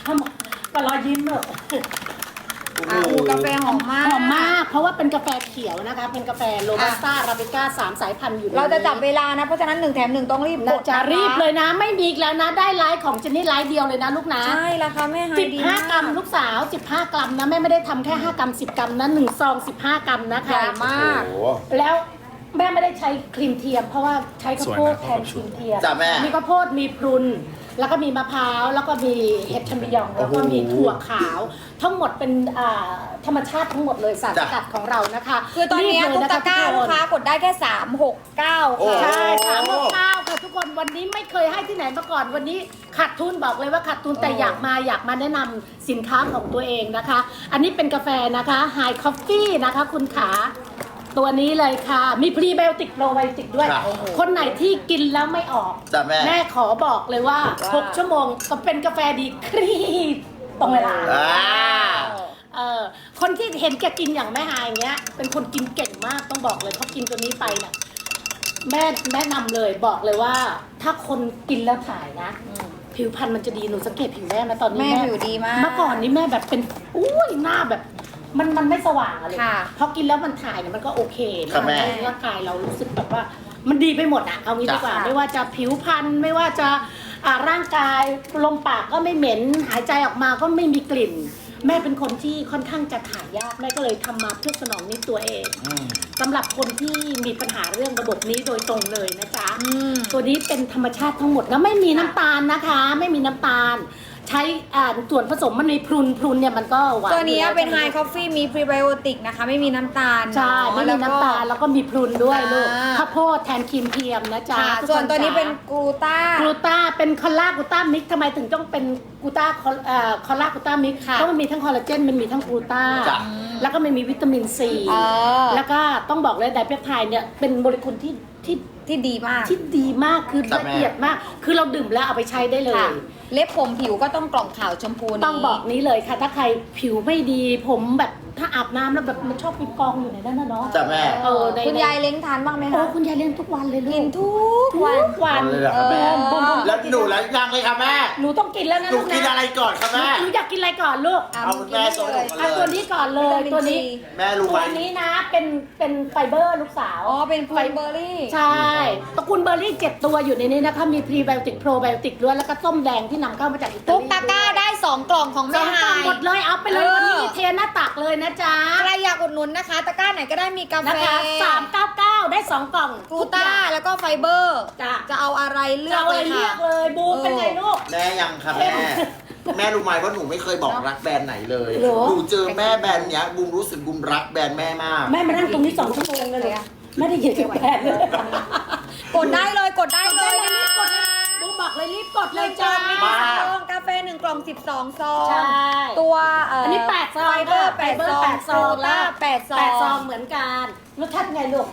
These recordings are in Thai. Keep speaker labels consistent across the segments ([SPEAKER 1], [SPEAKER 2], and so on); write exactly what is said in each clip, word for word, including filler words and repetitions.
[SPEAKER 1] ก็รอยยิ้มเนอะ
[SPEAKER 2] อ่ะอูกาแฟหอมมาก
[SPEAKER 1] หอมมากเพราะว่าเป็นกาแฟเขียวนะคะเป็นกาแฟโรบัสต้าอาราบิก้าสามสายพันธุ์อยู่ในนี้
[SPEAKER 2] เราจะจับเวลานะเพราะฉะนั้นหนึ่งแถมหนึ่งต้องรีบก
[SPEAKER 1] นะ
[SPEAKER 2] ด
[SPEAKER 1] จะ
[SPEAKER 2] นค
[SPEAKER 1] รีบเลยนะไม่มีอีกแล้วนะได้ไลฟ์ของเจนนี่ไลฟ์เดียวเลยนะลูกนะ
[SPEAKER 2] ใช่ราคาแม่ไฮ
[SPEAKER 1] สิบ
[SPEAKER 2] ดี
[SPEAKER 1] ห้าม
[SPEAKER 2] าก
[SPEAKER 1] กรัมลูกสาวสิบห้ากรัมนะแม่ไม่ได้ทำแค่ห้ากรัมสิบกรัมนะหนึ่งซองสิบห้ากรัมนะคะ
[SPEAKER 2] ใหญ่มาก
[SPEAKER 3] โอ้โห
[SPEAKER 1] แล้วแม่ไม่ได้ใช้ครีมเทียมเพราะว่าใช้ข้าวโพด
[SPEAKER 4] สวยนะ
[SPEAKER 1] แทนครีมเทียม
[SPEAKER 3] จ้ะแม่
[SPEAKER 1] มีข้าวโพดมีพรุนแล้วก็มีมะพร้าวแล้วก็มีเห็ดชัมปิญองแล้วก็มีถั่วขาว ทั้งหมดเป็นอ่าธรรมชาติทั้งหมดเลยสารสกัดของเรานะคะ
[SPEAKER 2] คือตอนนี้
[SPEAKER 1] รีบเลย
[SPEAKER 2] ตุ๊ก
[SPEAKER 1] นะ
[SPEAKER 2] ตา
[SPEAKER 1] คะ
[SPEAKER 2] ก้า
[SPEAKER 1] ทุ
[SPEAKER 2] ลู
[SPEAKER 1] ก
[SPEAKER 2] ก
[SPEAKER 1] คน
[SPEAKER 2] ค้ากดได้แค่สามหกเก้า
[SPEAKER 3] โอ้
[SPEAKER 2] ค่ะ
[SPEAKER 1] ใช่สามหกเก้าค่ะทุกคนวันนี้ไม่เคยให้ที่ไหนมาก่อนวันนี้ขาดทุนบอกเลยว่าขาดทุนแต่อยากมาอยากมาแนะนำสินค้าของตัวเองนะคะ อันนี้เป็นกาแฟนะคะ High Coffee นะคะคุณขาตัวนี้เลยค่ะมีพรีไบโอติกโปรไบโอติกด้วย
[SPEAKER 3] ครับ
[SPEAKER 1] คนไหนที่กินแล้วไม่ออก
[SPEAKER 3] จ้ะแม่
[SPEAKER 1] แม่ขอบอกเลยว่า หก ชั่วโมงก็เป็นกาแฟดีครีบตรงเวลา
[SPEAKER 3] อ่า
[SPEAKER 1] เออคนที่เห็นแกกินอย่างแม่ฮายอย่างเงี้ย เป็นคนกินเก่งมากต้องบอกเลยเพราะกินตัวนี้ไปเนี่ยแม่แนะนำเลยบอกเลยว่า ถ้าคนกินแล้วถ่ายนะ ผิวพรรณมันจะดีหนูสังเกตผิวแม่ไหมตอนนี้
[SPEAKER 2] แม่ผิวดีมาก
[SPEAKER 1] เมื่อก่อนนี้แม่แบบเป็นอุ้ยหน้าแบบ มันมันไม่สว่างอะไร
[SPEAKER 2] ค่ะ
[SPEAKER 1] พอกินแล้วมันถ่ายเนี่ยมันก็โอเค
[SPEAKER 3] ครั
[SPEAKER 1] นะ
[SPEAKER 3] บแม่
[SPEAKER 1] ร่างกายเรารู้สึกแบบว่า มันดีไปหมดอะเอางี้ดีกว่า
[SPEAKER 2] จ้ะ
[SPEAKER 1] ไม่ว่าจะผิวพรรณไม่ว่าจะอ่าร่างกายลมปากก็ไม่เหม็นหายใจออกมาก็ไม่มีกลิ่น แม่เป็นคนที่ค่อนข้างจะถ่ายยากแม่ก็เลยทำมาเพื่อสนองนิดตัวเอง
[SPEAKER 3] อืม
[SPEAKER 1] สำหรับคนที่มีปัญหาเรื่องระบบนี้โดยตรงเลยนะจ๊ะ
[SPEAKER 2] อืม
[SPEAKER 1] ตัวนี้เป็นธรรมชาติทั้งหมดแล้วไม่มีน้ำตาลนะคะ ไม่มีน้ำตาล ใช้อ่าส่วนผสมมันมีพรุนพรุนเนี่ยมันก็หวาน
[SPEAKER 2] ตัวนี้
[SPEAKER 1] อยู่แล้ว
[SPEAKER 2] เป็นไฮคอฟฟี่มีพรีไบโอติกนะคะ ไม่มีน้ำตาล
[SPEAKER 1] ใช่ไม่มีน้ำตาลแล้วก็มีพรุนด้วยลูก
[SPEAKER 2] อ่า
[SPEAKER 1] ข้าวโพดแทนครีมเทียมนะจ๊ะ
[SPEAKER 2] ค่ะ
[SPEAKER 1] ทุกค
[SPEAKER 2] ส่วนตัวนี้
[SPEAKER 1] จ๊ะ
[SPEAKER 2] เป็นกลูต้าก
[SPEAKER 1] ลูต้าเป็นคอลลากลูต้ามิกทำไมถึงต้องเป็นกลูต้าคอลเอ่อคอลลากลูต้ามิก
[SPEAKER 2] ค่ะ
[SPEAKER 1] เพราะมันมีทั้งคอลลาเจนมันมีทั้งกลูต้า
[SPEAKER 3] จ้ะ
[SPEAKER 1] แล้วก็มันมีวิตามินซี
[SPEAKER 2] เออ
[SPEAKER 1] แล้วก็ต้องบอกเลยไดเปปไทด์เนี่ยเป็นโมเลกุลที่ที่
[SPEAKER 2] ที่ดีมาก
[SPEAKER 1] ที่ดีมากคือ
[SPEAKER 3] จ้ะ
[SPEAKER 1] ละ
[SPEAKER 3] แม่
[SPEAKER 1] เอียดมาก คือเราดื่มแล้วเอาไปใช้ได้เลย
[SPEAKER 2] ค่ะ เล็บผมผิวก็ต้องกล่องขาวชมพูนี้
[SPEAKER 1] ต้องบอกนี้เลยค่ะ ถ้าใครผิวไม่ดีผมแบบถ้าอาบน้ำแล้วแบบมันชอบมีกองอยู่ในนั้นนะเนาะ
[SPEAKER 3] จ้ะแม่
[SPEAKER 1] เออใน
[SPEAKER 2] คุณยายเล้งทานบ้างไหม
[SPEAKER 1] โอ้
[SPEAKER 2] คะ
[SPEAKER 1] คุณยายเลี้ยงทุกวันเลยลู
[SPEAKER 2] กิน
[SPEAKER 1] ก
[SPEAKER 2] ทุกวัน
[SPEAKER 1] ทุกวัน
[SPEAKER 3] เอาเลยเหรอครับแม่
[SPEAKER 1] เออ
[SPEAKER 3] แล้วหนูแล้วยังเลยค่ะแม่
[SPEAKER 1] หนูต้องกินแล้วนะ
[SPEAKER 3] หนู
[SPEAKER 1] ลูก
[SPEAKER 3] กิน
[SPEAKER 1] นะ
[SPEAKER 3] อะไรก่อนคะแม่
[SPEAKER 1] หนูอยากกินอะไรก่อนลูก
[SPEAKER 2] อ่ะ
[SPEAKER 3] เอาคุณแม่ส่งหนูมา
[SPEAKER 1] เอาตัวนี้ก่อนเลยตัวนี้
[SPEAKER 3] แม่รู้ไหม
[SPEAKER 1] ตัวนี้นะเป็นเป็นไฟเบอร์ลูกสาว
[SPEAKER 2] อ๋อ เป็นพลูเบอร์รี่
[SPEAKER 1] ใช่ตระกูลเบอร์รี่เจ็ดตัวอยู่ในนี้นะคะมีพรีไบโอติกโปรไบโอติกด้วยแล้วก็ส้มแดงที่นำเข้ามาจากอิตาลี
[SPEAKER 2] ทุกตะกร้าได้สองกล่องของ
[SPEAKER 1] ส
[SPEAKER 2] แม่
[SPEAKER 1] อง
[SPEAKER 2] ไฮ
[SPEAKER 1] กล่องหมดเลยเอาไปเลย
[SPEAKER 2] เออ
[SPEAKER 1] วันนี้มีเทหน้าตักเลยนะจ๊ะ
[SPEAKER 2] ใครอยากอุดหนุนนะคะ ตะกร้าไหนก็ได้มีกาแฟ
[SPEAKER 1] นะคะสามเก้าเก้าได้สองกล่อง
[SPEAKER 2] กลูต้าแล้วก็ไฟเบอร์
[SPEAKER 1] จ้ะ
[SPEAKER 2] จะเอาอะไรเลือก
[SPEAKER 1] เอา
[SPEAKER 2] เล
[SPEAKER 1] เลย ยเลื
[SPEAKER 2] ค่ะ
[SPEAKER 1] อกเลยบูมเป็นไงลูก
[SPEAKER 3] แม่ยังค่ะแม่ แม่รู้ไหมว่าหนูไม่เคยบอกรักแบรนด์ไหนเลย
[SPEAKER 1] เหรอ
[SPEAKER 3] หนูเจอแม่แบรนด์เนี้ยบูมรู้สึกบูมรักแบรนด์แม่มาก
[SPEAKER 1] แม่มานั่งตรงนี้สองชั่วโมงเลยเหรอไม่ได้ยินเสียงแพนเลย
[SPEAKER 2] กดได้เลยกดได้เลย
[SPEAKER 1] รี
[SPEAKER 2] นะ
[SPEAKER 1] บกดเลยบูมบอกเลยรีบกด
[SPEAKER 2] ห
[SPEAKER 1] เล
[SPEAKER 2] นึ่
[SPEAKER 1] ย
[SPEAKER 2] งก
[SPEAKER 1] จ้า
[SPEAKER 2] ล่องมี
[SPEAKER 3] มา
[SPEAKER 2] กี่ซองกาแฟหนึ่งกล่องสิบสองซอง
[SPEAKER 1] ใช่
[SPEAKER 2] ตัวเอ่อ
[SPEAKER 1] อันนี้แปดซอง
[SPEAKER 2] ไฟเบอร์
[SPEAKER 1] ค่ะ
[SPEAKER 2] แปด
[SPEAKER 1] ไฟเบอ
[SPEAKER 2] ซ
[SPEAKER 1] ร์
[SPEAKER 2] อง
[SPEAKER 1] แปดซอง
[SPEAKER 2] กลูต้าแปดซอง
[SPEAKER 1] แปดซองเหมือนกันรสชาติไงลูก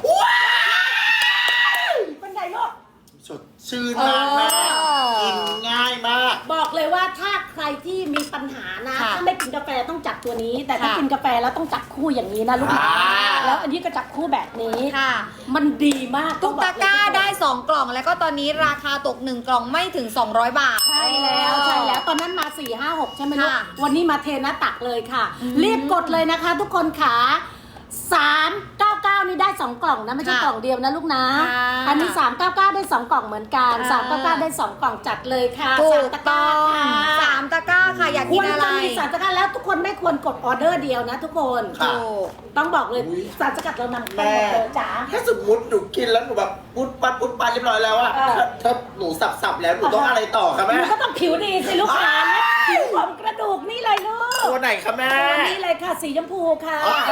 [SPEAKER 1] เป็นไงลูก
[SPEAKER 3] สดชื่นมากแม่
[SPEAKER 2] เออ
[SPEAKER 3] กินง่ายมาก
[SPEAKER 1] บอกเลยว่าถ้าใครที่มีปัญหานะ
[SPEAKER 2] ค่ะ
[SPEAKER 1] ถ้าไม่กินกาแฟต้องจับตัวนี้ แต่ถ้า
[SPEAKER 2] ค่ะ
[SPEAKER 1] กินกาแฟแล้วต้องจับคู่อย่างนี้นะลูกนะ
[SPEAKER 3] อ่า
[SPEAKER 1] แล้วอันนี้ก็จับคู่แบบนี้
[SPEAKER 2] ค่ะ
[SPEAKER 1] มันดีมาก
[SPEAKER 2] ทุกตะกร้าได้สองกล่องแล้วก็ตอนนี้ราคาตกหนึ่งกล่องไม่ถึงสองร้อยบาท
[SPEAKER 1] ใช่แล้วใช่แล้วตอนนั้นมาสี่ห้าหกใช่ไหมลูก
[SPEAKER 2] ค่ะ
[SPEAKER 1] วันนี้มาเทหน้าตักเลยค่ะ
[SPEAKER 2] อืม
[SPEAKER 1] รีบกดเลยนะคะ ทุกคนขาสามเก้าเก้านี่ได้สองกล่องนะไม่ใช่
[SPEAKER 2] ค่ะ
[SPEAKER 1] กล่องเดียวนะลูกนะ
[SPEAKER 2] ค่ะ
[SPEAKER 1] อันนี้สามเก้าเก้าได้สองกล่องเหมือนกัน
[SPEAKER 2] อ่า
[SPEAKER 1] สามเก้าเก้าได้สองกล่องจัดเลยค่ะ
[SPEAKER 2] ถู
[SPEAKER 1] สาม
[SPEAKER 2] ก
[SPEAKER 1] ตะกร้า
[SPEAKER 2] ต้อง
[SPEAKER 1] ค่ะ
[SPEAKER 2] สามตะกร้าค่ะอยาก
[SPEAKER 1] ค
[SPEAKER 2] กิ
[SPEAKER 1] วน ร
[SPEAKER 2] อะไร
[SPEAKER 1] จะมีสารสกัดแล้วทุกคนไม่ควรกดออเดอร์เดียวนะทุกคน
[SPEAKER 3] ค่ะ
[SPEAKER 2] ถูก
[SPEAKER 1] ต้องบอกเลย
[SPEAKER 3] อุ๊ย
[SPEAKER 1] สารสกัดเรานำเข้า
[SPEAKER 3] แม่
[SPEAKER 1] หมดเลยจ๋า
[SPEAKER 3] ถ้าสมมติหนูกินแล้วหนูแบบปุ๊ดปัดปุ๊ดปัดเรียบร้อยแล้วอะ
[SPEAKER 1] เออ
[SPEAKER 3] ถ้าถ้าหนูสับสับๆแล้วหนูต้องอะไรต่อคะ
[SPEAKER 1] ห
[SPEAKER 3] แม่
[SPEAKER 1] นูก็ต้องผิวดีสิลูกค้าผิวของกระดูกนี่เลยลูก
[SPEAKER 3] ตัวไหนคะแม่
[SPEAKER 1] ตัวนี้เลยค่ะสีชมพูค่ะ
[SPEAKER 3] อ๋อ
[SPEAKER 2] เอ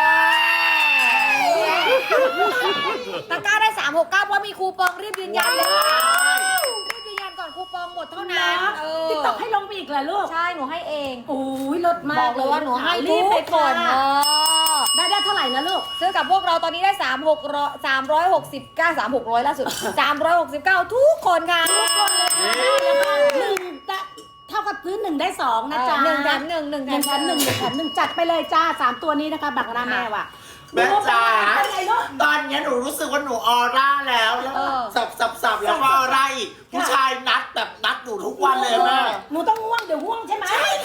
[SPEAKER 2] อตะกร้าได้สามหกเก้าเพราะมีคูปองรีบยืนยันเลยรีบยืนยันก่อนคูปองหมดเท่านั้นเออ
[SPEAKER 1] ติ๊กต็อกให้ลงไปอีกเหรอลูก
[SPEAKER 2] ใช่หนูให้เอง
[SPEAKER 1] โอ้ยลดมาก
[SPEAKER 2] บอกเลยว่าหนูให้
[SPEAKER 1] รี
[SPEAKER 2] รี
[SPEAKER 1] บบ ไป
[SPEAKER 2] ไป
[SPEAKER 1] ก่
[SPEAKER 2] ก่
[SPEAKER 1] อ
[SPEAKER 2] อน น
[SPEAKER 1] เอ
[SPEAKER 2] เอ
[SPEAKER 1] อ
[SPEAKER 2] อ
[SPEAKER 1] ได้ได้เท่าไหร่นะลูก
[SPEAKER 2] ซื้อกับพวกเราตอนนี้ได้สามหกร้อยสามร้อยหกสิบเก้าสามหกร้อยล่าสุดสามร้อยหกสิบเก้าทุกคนค่ะ
[SPEAKER 1] ทุกคนเลยค่ะหนึ่งจะเท่ากับซื้อหนึ่งได้สองนะจ๊ะ
[SPEAKER 2] หนึ่งแถมหนึ่งหนึ่ง
[SPEAKER 1] หนึ่งแถมหนึ่งหนึ่งแถมหนึ่งจัดไปเลยจ้าสามตัวนี้นะคะบักหน้าแม่ว่ะ
[SPEAKER 3] แม่จ๋า
[SPEAKER 1] เป็นไงลูก
[SPEAKER 3] ตอนเนี้ยหนูรู้สึกว่าหนูออร่าแล้วแล้ว
[SPEAKER 2] เออ
[SPEAKER 3] สับสับสับแล้วก็ออร่าอีกผู้ชายนัดแบบนัดหนูทุกวันเลยแม่
[SPEAKER 1] หนูต้องง่วงเดี๋ยวง่วงใช่ไหม
[SPEAKER 3] ใช่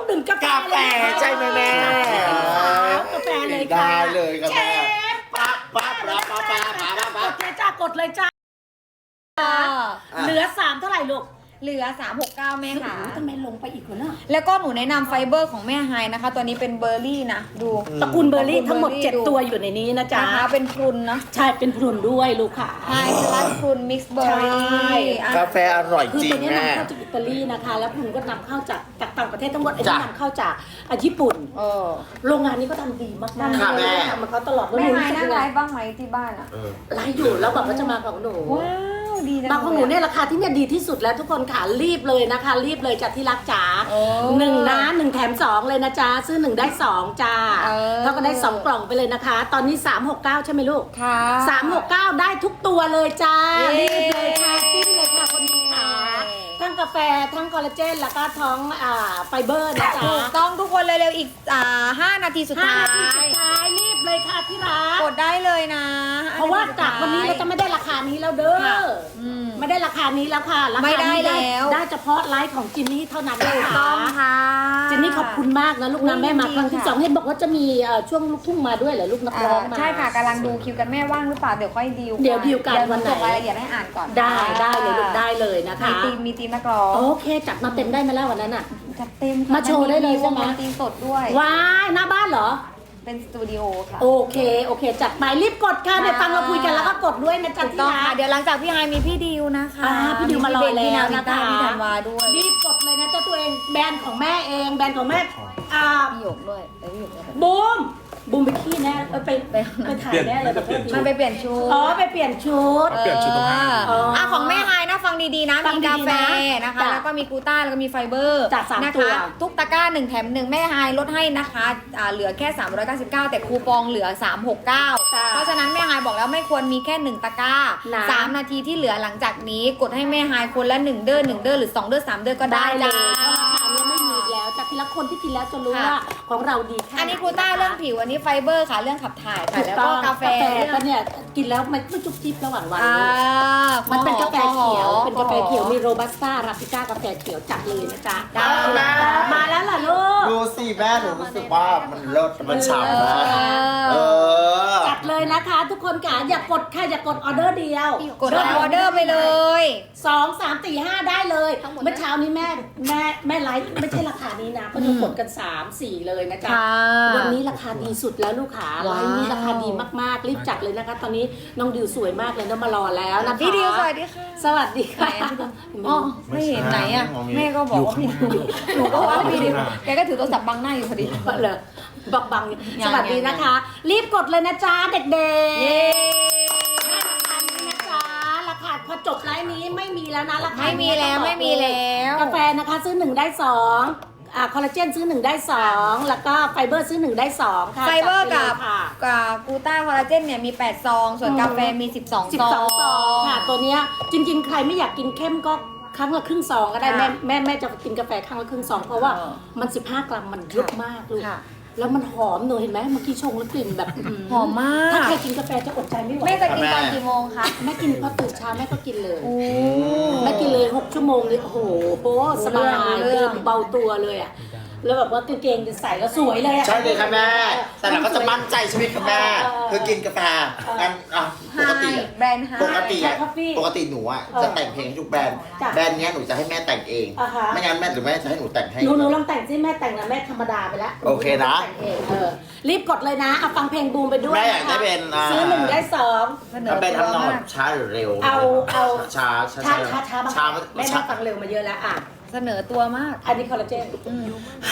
[SPEAKER 1] ดื่มกาแฟ
[SPEAKER 3] กาแฟใช่ไหมแม่
[SPEAKER 1] กาแฟเลยค่ะ
[SPEAKER 3] ได้เลยครับ
[SPEAKER 1] เช
[SPEAKER 3] แม่
[SPEAKER 1] ฟ
[SPEAKER 3] ปั๊บปั๊บปั๊บปั๊บปั๊บปั๊บปั๊บ
[SPEAKER 1] กดเลยจ้ากดเลยจ้า
[SPEAKER 2] อ่า
[SPEAKER 1] เหลือสามเท่าไหร่ลูก
[SPEAKER 2] เหลือสามหกเก้าแม่ค่ะ
[SPEAKER 1] ทำไมลงไปอีกวะเนาะ
[SPEAKER 2] แล้วก็หนูแนะนำไฟเบอร์ของแม่ไฮนะคะ ตัวนี้เป็นเบอร์รี่นะ ดู
[SPEAKER 1] ตระกูลเบอร์รี่ทั้งหมด
[SPEAKER 2] ตระกูลเบอร์รี่
[SPEAKER 1] เจ็ด
[SPEAKER 2] ดู
[SPEAKER 1] ตัวอยู่ในนี้นะจ๊ะ
[SPEAKER 2] นะคะเป็นพรุนนะ
[SPEAKER 1] ใช่เป็นพรุนด้วยลูกค่ะ
[SPEAKER 2] ไฮสลัดพรุนมิกซ์เบอร์รี่
[SPEAKER 1] ใช่
[SPEAKER 3] กาแฟอร่อย
[SPEAKER 1] คือ
[SPEAKER 3] จริ
[SPEAKER 1] ตั
[SPEAKER 3] ง
[SPEAKER 1] วนี้
[SPEAKER 3] แม่
[SPEAKER 1] นำเข้าจากอิตาลีนะคะ แล้วพรุนก็นำเข้าจากจากต่างประเทศทั้งหมดไอ้
[SPEAKER 3] จ้ะ
[SPEAKER 1] ที่นำเข้าจากอ่ะญี่ปุ่น
[SPEAKER 2] เออ
[SPEAKER 1] โรงงานนี้ก็ทำดีมากๆ
[SPEAKER 3] ค่ะแม่
[SPEAKER 1] ทำมาเขาตลอดแล้ว
[SPEAKER 2] แม่
[SPEAKER 1] หนู
[SPEAKER 2] ไฮ
[SPEAKER 1] รู้สึก
[SPEAKER 2] นั่ง
[SPEAKER 1] ยัง
[SPEAKER 2] ไล
[SPEAKER 1] ไง
[SPEAKER 2] ฟ์บ้างไหมที่บ้านอ่ะ
[SPEAKER 3] เออ
[SPEAKER 1] ไลฟ์อยู่แล้วบอกว่าจะมาของหนู
[SPEAKER 2] ว้าวดีจัง
[SPEAKER 1] บางของหนู
[SPEAKER 2] เล
[SPEAKER 1] เนี่ย ยราคาที่เนี่ยดีที่สุดแล้วทุกคนค่ะรีบเลยนะคะ รีบเลยจากที่รักจ๋า
[SPEAKER 2] โอ้
[SPEAKER 1] หนึ่งนะหนึ่งแถมสองเลยนะจ๊ะซื้อหนึ่งได้สองจ้า
[SPEAKER 2] เออ
[SPEAKER 1] เท่าก็ได้สองกล่องไปเลยนะคะ ตอนนี้สามหกเก้าใช่ไหมลูก
[SPEAKER 2] ค่ะ
[SPEAKER 1] สามหกเก้าได้ทุกตัวเลยจ้า
[SPEAKER 2] เย้
[SPEAKER 1] รีบเลยค่ะจิ้มเลยค่ะคนนี้ค่ะทั้งกาแฟทั้งคอลลาเจนแล้วก็ท้องอ่าไฟเบอร์นะจ๊ะ
[SPEAKER 2] ถูกต้องทุกคนเร็วๆอีกอ่าห้านาทีสุด
[SPEAKER 1] ห้า
[SPEAKER 2] ท้า
[SPEAKER 1] นาทีสุ
[SPEAKER 2] ย
[SPEAKER 1] ดท้ายรีบเลยค่ะที่รัก
[SPEAKER 2] กดได้เลยนะ
[SPEAKER 1] เพราะว่าจากวันนี้เราจะไม่ได้ราคานี้แล้วเด้อ
[SPEAKER 2] ค่ะอืม
[SPEAKER 1] ไม่ได้ราคานี้แล้วค่ะราคา
[SPEAKER 2] ไม่ได้
[SPEAKER 1] นี้
[SPEAKER 2] แล้ว
[SPEAKER 1] ได้เฉพาะไลฟ์ของจินนี่เท่านั้นเลย
[SPEAKER 2] ถูก
[SPEAKER 1] ค่ะ
[SPEAKER 2] ต้องค่ะ
[SPEAKER 1] จินนี่ขอบคุณมากนะลูกนะแม่มาครั้งที่สองเห็นบอกว่าจะมีเอ่อช่วงลูกทุ่งมาด้วยเหรอลูกนัก
[SPEAKER 2] อ่า
[SPEAKER 1] ร้องมา
[SPEAKER 2] ใช่ค่ะกำลังดูคิวกันแม่ว่างหรือเปล่าเดี๋ยวค่อยดีล
[SPEAKER 1] เดี๋ยวดีลกัน
[SPEAKER 2] เดี๋ยว
[SPEAKER 1] วันไหน
[SPEAKER 2] ส่งรายละเอียดให้อ่านก่อน
[SPEAKER 1] ได้ได้เลยลูกได้เลยนะคะ
[SPEAKER 2] มีทีมมีทีมนักร้อง
[SPEAKER 1] โอเคจัดมาเต็มได้ไหมล่ะวันนั้นอ่ะ
[SPEAKER 2] จัดเต็มค่ะ
[SPEAKER 1] มาโชว์ได้เลยใช่ไหม
[SPEAKER 2] วงดนตรีสดด้วย
[SPEAKER 1] ว้ายหน้าบ้านเหรอ
[SPEAKER 2] เป็นสตูดิโอค่ะ
[SPEAKER 1] โอเคโอเค จัดไปรีบกดค่ะเดี๋ยวฟังเราคุยกันแล้วก็กดด้วยนะจ๊ะ
[SPEAKER 2] ถูก
[SPEAKER 1] ที่
[SPEAKER 2] ต้อง
[SPEAKER 1] รั
[SPEAKER 2] ค่ะ
[SPEAKER 1] ก
[SPEAKER 2] เดี๋ยวหลังจากพี่ไฮมีพี่ดิวนะคะ
[SPEAKER 1] อ่าพี่ดิวมารอ
[SPEAKER 2] พี่เบน
[SPEAKER 1] แล้ว
[SPEAKER 2] พี่นาวินต้า
[SPEAKER 1] นะคะ
[SPEAKER 2] พี่ธันวาด้วย
[SPEAKER 1] รีบกดเลยนะเจ้าตัวเองแบรนด์ของแม่เองแบรนด์ของแม่อ่า
[SPEAKER 2] พี่หยกด้วยแต่พี่หยกด้วย
[SPEAKER 1] บูมบูมไปขี้แน่เออไป
[SPEAKER 2] ไป
[SPEAKER 1] ไปถ่ายแน่เลย
[SPEAKER 4] เปลี่ยน
[SPEAKER 2] มันไปเปลี่ยนชุด
[SPEAKER 1] อ๋อไปเปลี่ยนชุด
[SPEAKER 4] เปลี่ยนชุดตรงห้าง
[SPEAKER 2] เอออ่ะของแม่ไฮนะฟังดีๆนะ
[SPEAKER 1] ฟัง
[SPEAKER 2] มี
[SPEAKER 1] ดีๆ
[SPEAKER 2] กาแฟ
[SPEAKER 1] นะ
[SPEAKER 2] นะคะ
[SPEAKER 1] จ้ะ
[SPEAKER 2] แล้วก็มีกลูต้าแล้วก็มีไฟเบอร์
[SPEAKER 1] จ้ะสาม
[SPEAKER 2] นะ
[SPEAKER 1] ตัว
[SPEAKER 2] คะทุกตะกร้าหนึ่งแถมหนึ่งแม่ไฮลดให้นะคะอ่าเหลือแค่สามร้อยเก้าสิบเก้าแต่คูปองเหลือสามหกเก้า
[SPEAKER 1] จ้ะ
[SPEAKER 2] เพราะฉะนั้นแม่ไฮบอกแล้วไม่ควรมีแค่หนึ่งตะกร้า
[SPEAKER 1] นะ
[SPEAKER 2] สามนาทีที่เหลือหลังจากนี้กดให้แม่ไฮคนละหนึ่งเด้อหนึ่งเด้อหรือสองเด้อสามเด้อก็ได้
[SPEAKER 1] ได้เล
[SPEAKER 2] จ้า
[SPEAKER 1] ยเพราะราคาเนี้ยไม่มีอีกแล้วจากทีละคนที่กินแล้วจะรู้
[SPEAKER 2] ค่ะ
[SPEAKER 1] ว่าของเราดีแค่ไห
[SPEAKER 2] อันนี้กลูต้าเรื่องผิวอันนี้ไฟเบอร์ค่ะเรื่องขับถ่ายค่ะ
[SPEAKER 1] ถูก
[SPEAKER 2] แล้ว
[SPEAKER 1] ต้
[SPEAKER 2] ก็
[SPEAKER 1] อง
[SPEAKER 2] กาแฟ
[SPEAKER 1] ก็เนี่ยกินแล้วมันไม่จุ๊บจิ๊บระหว่างวัน
[SPEAKER 2] อ่า
[SPEAKER 1] มันเป็นกาแฟเขียว
[SPEAKER 2] ขอ
[SPEAKER 1] เป็นกาแฟเขียวมีโรบัสต้าราฟิก้ากาแฟเขียวจัดเลยนะจ๊ะ
[SPEAKER 2] ได้
[SPEAKER 1] มาแล้วล่ะลูก
[SPEAKER 3] ดูสิแม่หนูรู้สึกว่ามันเลิศมันฉ่ำนะเออ
[SPEAKER 1] จัดเลยนะคะ ทุกคนค่ะอย่ากดค่ะอย่ากดออเดอร์เดียว
[SPEAKER 2] กดออเดอร์ไปเลย
[SPEAKER 1] สองสามสี่ห้าได้เลย
[SPEAKER 2] ทั้งหมดนะ
[SPEAKER 1] เมื่อเช้านี้แม่แม่แม่ไลฟ์ไม่ใช่ราคานี้นะก็จะกดกันสามสี่เลยนะจ๊ะ
[SPEAKER 2] ค่ะ
[SPEAKER 1] วันนี้ราคาดีสุดแล้วลูกค้าไล
[SPEAKER 2] ว้าว
[SPEAKER 1] ฟ์นี้ราคาดีมากๆรีบจัดเลยนะคะ ตอนนี้น้องดิวสวยมากเลยน้องมารอแล้วนะคะ
[SPEAKER 2] พี่ดิวสวัสดีค่ะ
[SPEAKER 1] สวัสดีค่ะ
[SPEAKER 2] อ๋อไม่เห็นไหนอ่ะ แม่ก็บอกว่าพี่ดิวหนูก็ว่าพี่ดิวแกก็ถือโทรศัพท์บังหน้าอยู่พอดี
[SPEAKER 1] เหรอบักบัง
[SPEAKER 2] ยั
[SPEAKER 1] ส
[SPEAKER 2] ง
[SPEAKER 1] วัสดีนะคะ รีบกดเลยนะจ๊ะเด็กๆ
[SPEAKER 2] เย้
[SPEAKER 1] ราคานี้นะจ๊ะราคาพอจบไลฟ์นี้ไม่มีแล้วนะราคา
[SPEAKER 2] ไม่มีแล้วไม่มีแล้ว
[SPEAKER 1] กาแฟนะคะซื้อหนึ่งได้สองอ่าคอลลาเจนซื้อหนึ่งได้สองแล้วก็ไฟเบอร์ซื้อหนึ่งได้สองค่ะ
[SPEAKER 2] ไฟเบอร์
[SPEAKER 1] จั
[SPEAKER 2] กั
[SPEAKER 1] ด
[SPEAKER 2] บ
[SPEAKER 1] ไปเลยค่ะ
[SPEAKER 2] กับกลูต้าคอลลาเจนเนี่ยมีแปดซอง ส่วนกาแฟมีสิบสอง
[SPEAKER 1] สิบ
[SPEAKER 2] ซอง
[SPEAKER 1] สองซองค่ะ ตัวเนี้ยจริงๆ ใครไม่อยากกินเข้มก็ครั้งละครึ่งซองก็ได้
[SPEAKER 2] ค่ะ
[SPEAKER 1] แม่แม่แม่จะกินกาแฟครั้งละครึ่งซองเพราะว่า
[SPEAKER 2] เออ
[SPEAKER 1] มันสิบห้ากรัมมันเยอะมากลูก
[SPEAKER 2] ค่ะ
[SPEAKER 1] แล้วมันหอมหนูเห็นไหมเมื่อกี้ชงแล้วกลิ่นแบบ
[SPEAKER 2] หอมมาก
[SPEAKER 1] ถ้าใครกินกาแฟจะอดใจไม่ไหว
[SPEAKER 2] แม่จะกินตอนกี่โมงคะ
[SPEAKER 1] แม่กินพอตื่นเช้าแม่ก็กินเลย
[SPEAKER 2] โอ้
[SPEAKER 1] แม่กินเลยหกชั่วโมงเลยโอ้โหโหสบาย
[SPEAKER 2] รู้เรื่อง
[SPEAKER 1] เดินเบาตัวเลยอ่ะแล้วแบบว่ากางเกงจะใส่แล้วสวยเลยอ่ะ
[SPEAKER 3] ใช่เลยค่ะแม่ แต่เราก็จะมั่นใจใช่ไหมคะแม่
[SPEAKER 1] เออ
[SPEAKER 3] คือกินกาแฟอันอ่ะปกติอะ
[SPEAKER 2] แบรนด์ไฮ
[SPEAKER 3] ปกติอะ
[SPEAKER 1] ใช่ coffee
[SPEAKER 3] ปกติหนูอ่ะ
[SPEAKER 1] เออ
[SPEAKER 3] จะแต่งเพลงให้ทุกแบรนด์
[SPEAKER 1] จ้ะ
[SPEAKER 3] แบรนด์เนี้ยหนูจะให้แม่แต่งเอง
[SPEAKER 1] อ่าฮะ
[SPEAKER 3] ไม่งั้นแม่หรือแม่จะให้หนูแต่งให้
[SPEAKER 1] หนูหนูลองแต่งสิแม่แต่งนะแม่ธรรมดาไปแล้ว
[SPEAKER 3] โอเคนะ
[SPEAKER 1] แต่งเองเออรีบกดเลยนะเอาฟังเพลงบูมไปด้วย
[SPEAKER 3] แม่อยาก
[SPEAKER 1] นะคะ
[SPEAKER 3] ได้เป็นอ่า
[SPEAKER 1] ซื้อหนึ่งได้สอง
[SPEAKER 2] เสนอ
[SPEAKER 3] มันเป็น
[SPEAKER 2] ตัว
[SPEAKER 3] ทำนอง
[SPEAKER 2] มาก
[SPEAKER 3] ช้าหรือเร็ว
[SPEAKER 1] เอาเอา
[SPEAKER 3] ช้าช้า
[SPEAKER 1] ช้าช้าช้าบ้าง
[SPEAKER 3] ช้า
[SPEAKER 1] แม่
[SPEAKER 3] ช้า
[SPEAKER 1] นั่งฟังเร็วมาเยอะแล้วอ่ะ
[SPEAKER 2] เสนอตัวมาก
[SPEAKER 1] อันนี้คอลลาเจน
[SPEAKER 2] อืม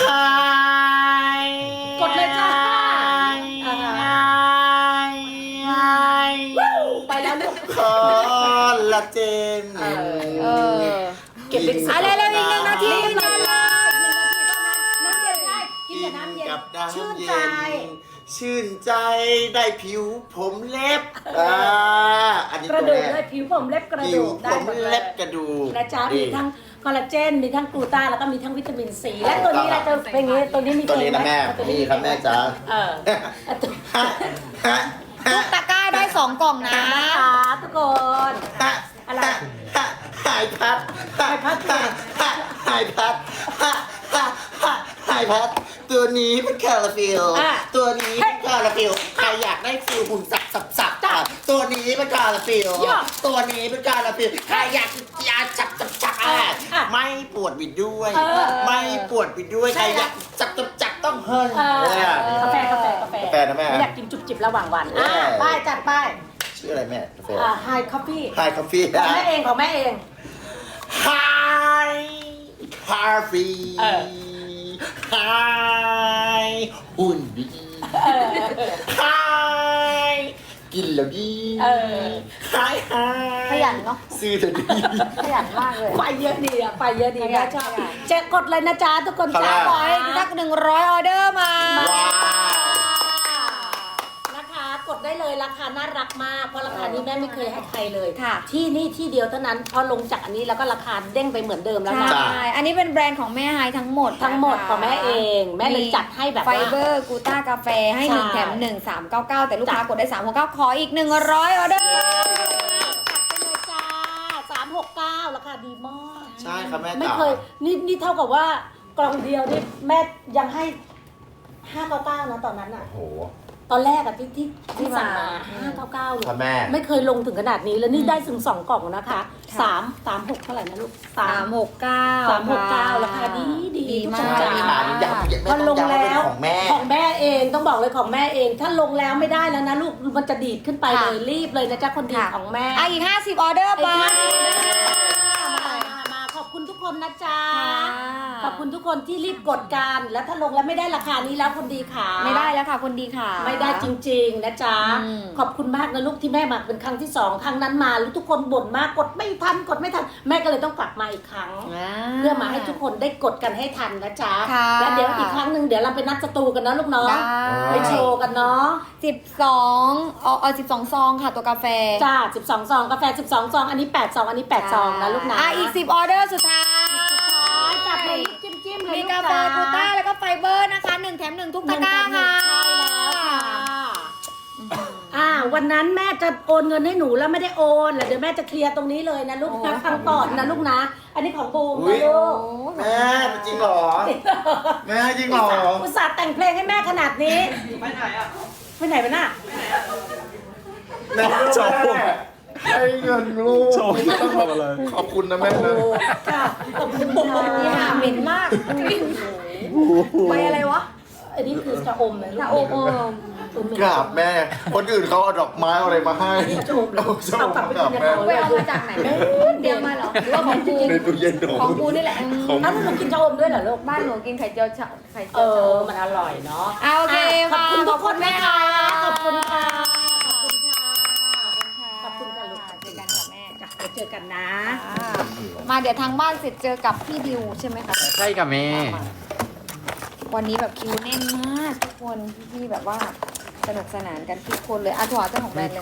[SPEAKER 1] กดเลยจ้าอ่าฮะไปแล้วลูก
[SPEAKER 3] คอลลาเจน
[SPEAKER 1] เออ
[SPEAKER 2] เออ
[SPEAKER 1] เก็บลิขสิทธิ์
[SPEAKER 2] อะไรเร็วๆอีกหนึ่งนาที
[SPEAKER 1] รีบ
[SPEAKER 2] มา
[SPEAKER 1] มา
[SPEAKER 2] เล
[SPEAKER 1] เลย ยน้ำเย็นได้กินกับน้ำเย็น
[SPEAKER 3] กับน้ำ
[SPEAKER 1] ชื่น
[SPEAKER 3] เย็
[SPEAKER 1] ใจ
[SPEAKER 3] นชื่นใจได้ผิวผมเล็บอ่าอันนี้
[SPEAKER 1] กระ
[SPEAKER 3] ตัว
[SPEAKER 1] ดูก
[SPEAKER 3] แร
[SPEAKER 1] เลย
[SPEAKER 3] ก
[SPEAKER 1] ผิวผมเล็บกระ
[SPEAKER 3] ผิ
[SPEAKER 1] ดู
[SPEAKER 3] ว
[SPEAKER 1] ก
[SPEAKER 3] ผ
[SPEAKER 1] ได้
[SPEAKER 3] ม
[SPEAKER 1] หมดเลย
[SPEAKER 3] เล็บกระดูก
[SPEAKER 1] นะจ๊ะ
[SPEAKER 3] นี่
[SPEAKER 1] มีทั้งคอลลาเจนมีทั้งกลูต้าแล้วก็มีทั้งวิตามินซีและตัวนี้เราจะเป็นอย่างนี้ตัวนี้มี
[SPEAKER 3] ตัวนี้นะ
[SPEAKER 1] เพลงไห
[SPEAKER 3] แม่
[SPEAKER 1] ตัว
[SPEAKER 3] นี่ครับแม่จ๋า
[SPEAKER 1] เอออ่ะตัว
[SPEAKER 3] ฮะฮะ
[SPEAKER 2] ทุกตะกร้าได้สองกล่องนะ
[SPEAKER 1] นะคะทุกคน
[SPEAKER 3] ฮะ
[SPEAKER 1] อะไร
[SPEAKER 3] ฮะหายพัด
[SPEAKER 1] หายพัด
[SPEAKER 3] ฮะฮะหายพัดฮะฮะฮะหายแพทตัวนี้เป็นคาราฟิล
[SPEAKER 1] อ่ะ
[SPEAKER 3] ตัวนี้เป็นคาราฟิลใครอยากได้ฟิลหุ่นสับสับสับอ่ะตัวนี้เป็นคาราฟิล
[SPEAKER 1] ย่อ
[SPEAKER 3] ตัวนี้เป็นคาราฟิลใครอยากยาจับจับจับอ่ะ
[SPEAKER 1] อ่ะ
[SPEAKER 3] ไม่ปวดบิดด้วย
[SPEAKER 1] เออ
[SPEAKER 3] ไม่ปวดบิดด้วย
[SPEAKER 1] ใช่
[SPEAKER 3] ใครอยากจับจับจับต้องเฮิร์น
[SPEAKER 1] เออ
[SPEAKER 3] เนี่ย
[SPEAKER 1] กาแฟกาแฟกาแฟ
[SPEAKER 3] กาแฟนะแม่
[SPEAKER 1] ไม่อยากกินจุบจิบระหว่างวัน
[SPEAKER 3] เอออ่
[SPEAKER 1] อ่ะป้ายจัดป้าย
[SPEAKER 3] ชื่ออะไรแม่กาแฟ
[SPEAKER 1] อ่าไฮคอฟฟี่
[SPEAKER 3] ไฮคอฟฟี่
[SPEAKER 1] ของแม่เองของแม่เอง
[SPEAKER 3] ไฮคาเฟ่
[SPEAKER 1] เออ
[SPEAKER 3] ไฮหุ่นดีไฮกินแล้วดี
[SPEAKER 1] เออ
[SPEAKER 3] ไฮไฮ
[SPEAKER 2] ขยันเนอะ
[SPEAKER 3] ซื้อเถอะดี
[SPEAKER 2] ขยันมากเลย
[SPEAKER 1] ไปเยอะดีอ่ะไปเยอะดี
[SPEAKER 2] ขยั
[SPEAKER 1] แม่
[SPEAKER 2] น
[SPEAKER 1] ชอบ
[SPEAKER 2] ขยัน
[SPEAKER 1] เจะกดเลยนะจ๊ะทุกคน
[SPEAKER 3] ครับ
[SPEAKER 1] จ้า
[SPEAKER 2] ขอให้สักหนึ่งร้อยออเดอร์มา
[SPEAKER 3] ว้าว
[SPEAKER 1] นะคะกดได้เลยราคาน่ารักมากเพราะราคานี้แม่ไม่เคยให้ใครเลย
[SPEAKER 2] ค่ะ
[SPEAKER 1] ที่นี่ที่เดียวเท่านั้นพอลงจากอันนี้แล้วก็ราคาเด้งไปเหมือนเดิมแล้ว
[SPEAKER 2] ใช่
[SPEAKER 1] นะ
[SPEAKER 3] จ้ะ
[SPEAKER 2] อันนี้เป็นแบรนด์ของแม่ไฮทั้งหมด
[SPEAKER 1] ทั้งหมด
[SPEAKER 2] นะคะ
[SPEAKER 1] ของแม่เองแม่เลยจัดให้แบบ
[SPEAKER 2] ไฟ
[SPEAKER 1] ว่า
[SPEAKER 2] เบอร์กูต้ากาแฟให้หนึ่ง
[SPEAKER 1] ใช่
[SPEAKER 2] แถมหนึ่งสามเก้าเก้าแต่ลูกค้า
[SPEAKER 1] จ้ะ
[SPEAKER 2] กดได้สามหกเก้าขออีกหนึ่งร้อยออเดอร์
[SPEAKER 1] จัดไปเลยจ้าสามหกเก้าราคาดีมาก
[SPEAKER 3] ใช่ครับแม่
[SPEAKER 1] ไม่
[SPEAKER 3] จ๋า
[SPEAKER 1] เคยนี่นี่เท่ากับว่ากล่องเดียวนี่แม่ยังให้ห้าเก้าเก้านะตอนนั้นอ่ะ
[SPEAKER 3] โอ้โห
[SPEAKER 1] ตอนแรกอะที่ที่
[SPEAKER 2] ที่
[SPEAKER 1] ที่สั่งมา
[SPEAKER 2] มา
[SPEAKER 1] ห้าเก้าเก้าเลย
[SPEAKER 3] ครับแม่
[SPEAKER 1] ไม่เคยลงถึงขนาดนี้แล้วนี่ได้ถึงสองกล่องนะคะสามสามหกเท่าไหร่นะลูก
[SPEAKER 2] สามหกเก้า
[SPEAKER 1] สามหกเก้าราคาดีดี
[SPEAKER 2] ดี
[SPEAKER 1] ทุก
[SPEAKER 2] มา
[SPEAKER 1] คน
[SPEAKER 2] ก
[SPEAKER 1] จ๋า
[SPEAKER 3] ดีมากดีอยากอยาก
[SPEAKER 1] พอลงแล้ว
[SPEAKER 3] ของแม่
[SPEAKER 1] ของแม่เองต้องบอกเลยของแม่เอง ถ้าลงแล้วไม่ได้แล้วนะลูกมันจะดีดขึ้นไปเลยรีบเลยนะจ๊ะคนดี
[SPEAKER 2] ค่ะ
[SPEAKER 1] ของแม่
[SPEAKER 2] อ่ะอีกห้าสิบออเดอร์ไป
[SPEAKER 1] มามามาขอบคุณทุกคนนะจ๊ะ ขอบคุณทุกคนที่รีบกดกันแล้วถ้าลงแล้วไม่ได้ราคานี้แล้วคนดีค่ะ
[SPEAKER 2] ไม่ได้แล้วค่ะคนดีค่ะ
[SPEAKER 1] ไม่ได้จริง ๆ นะจ๊ะ
[SPEAKER 2] อืม
[SPEAKER 1] ขอบคุณมากนะลูกที่แม่มาเป็นครั้งที่สองครั้งนั้นมาแล้วทุกคนบ่นมากกดไม่ทันกดไม่ทันแม่ก็เลยต้องกลับมาอีกครั้ง เพื่อมาให้ทุกคนได้กดกันให้ทันนะจ๊ะ
[SPEAKER 2] ค่ะ
[SPEAKER 1] แล้วเดี๋ยวอีกครั้งหนึ่งเดี๋ยวเราไปนัดสตูกันนะลูกเนาะ
[SPEAKER 2] ได้
[SPEAKER 1] ไปโชว์กันเนาะ
[SPEAKER 2] สิบสองเอาเอาสิบสองซองค่ะตัวกาแฟ
[SPEAKER 1] จ้าสิบสองซองกาแฟสิบสองซองอันนี้แปดซองอันนี้แปดซองนะลูกนะ
[SPEAKER 2] อ่ะอีกสิบออเดอร์สุดท้าย
[SPEAKER 1] จับเลยจิ้มจิ้มๆเลย
[SPEAKER 2] มี
[SPEAKER 1] ลู
[SPEAKER 2] กาแฟกูต้าแล้วก็ไฟเบอร์นะคะหนึ่งแถมหนึ่งทุก
[SPEAKER 1] ห
[SPEAKER 2] ตะ
[SPEAKER 1] นึ่ง
[SPEAKER 2] กร้า
[SPEAKER 1] แถมหนึ่
[SPEAKER 2] ค่ะ
[SPEAKER 1] งใช่แล้วค่ะอ่าวันนั้นแม่จะโอนเงินให้หนูแล้วไม่ได้โอนแล้วเดี๋ยวแม่จะเคลียร์ตรงนี้เลยนะลูกนะฟังก่อนนะลูกนะ อันนี้ของบูม
[SPEAKER 3] อุ๊
[SPEAKER 1] นะ
[SPEAKER 3] ย
[SPEAKER 1] ลูก
[SPEAKER 3] แม่จริงเหรอ แม่จริงเหรอ
[SPEAKER 1] อุตส่าห์แต่งเพลงให้แม่ขนาดนี้ไปไหนอ่ะไปไหนวะน่ะ
[SPEAKER 3] แม่ชอบให้เงินลูก
[SPEAKER 4] โชว์ที่ต้องทำอะไร
[SPEAKER 3] ขอบคุณนะแม่นะ
[SPEAKER 1] ค่ะขอบคุณค่ะ
[SPEAKER 2] นี่ค่ะเหม็นมากใบอะไรวะ
[SPEAKER 1] อันนี้คือจะอมนะลูก
[SPEAKER 2] ชะอมเออ
[SPEAKER 1] อมเหม็น
[SPEAKER 3] กราบแม่ คนอื่นเขาเอาดอกไม้เอาอะไรมาให้
[SPEAKER 1] จะอมเลย
[SPEAKER 3] เอาชอบ
[SPEAKER 1] เอากลับไป
[SPEAKER 3] กราบ
[SPEAKER 1] กินใน
[SPEAKER 3] แม่
[SPEAKER 1] เขา
[SPEAKER 2] ไปเอามาจากไหนแม่เดียวมาเหรอหรือว่าของกู
[SPEAKER 3] ในตู้เย็นหนู
[SPEAKER 2] ของกูนี่แหละอืม
[SPEAKER 3] ของ
[SPEAKER 1] อ้าวแล้วหนูกินจะอมด้วยเหรอลูก
[SPEAKER 2] บ้านหนูกินไข่เจียวชะไข่
[SPEAKER 1] เอ
[SPEAKER 2] เจียวชะ
[SPEAKER 1] อ
[SPEAKER 2] อม
[SPEAKER 1] มันอร่อยเนาะ
[SPEAKER 2] เอาโอเค
[SPEAKER 1] ขอบคุณทุกคนนะคะ ข
[SPEAKER 2] ข
[SPEAKER 1] อ
[SPEAKER 2] อ
[SPEAKER 1] บบ
[SPEAKER 2] คุ
[SPEAKER 1] คุณ
[SPEAKER 2] ณ
[SPEAKER 1] ค่ะ
[SPEAKER 2] ค่ะ
[SPEAKER 1] ขอบคุณค่ะ
[SPEAKER 2] ขอบคุณค่ะลูกเจอกันค่ะแม่
[SPEAKER 1] จ้ะเดี๋ยวเจอกันนะ
[SPEAKER 2] อ่ามาเดี๋ยวทางบ้านเสร็จเจอกับพี่ดิวใช่ไหมคะ
[SPEAKER 4] ใช่กับแม่
[SPEAKER 2] วันนี้แบบคิวแน่นมากทุกคนพี่ๆแบบว่าสนุกสนานกันทุกคนเลยอ่ะถั่วเจ้าของแบรนด์เลย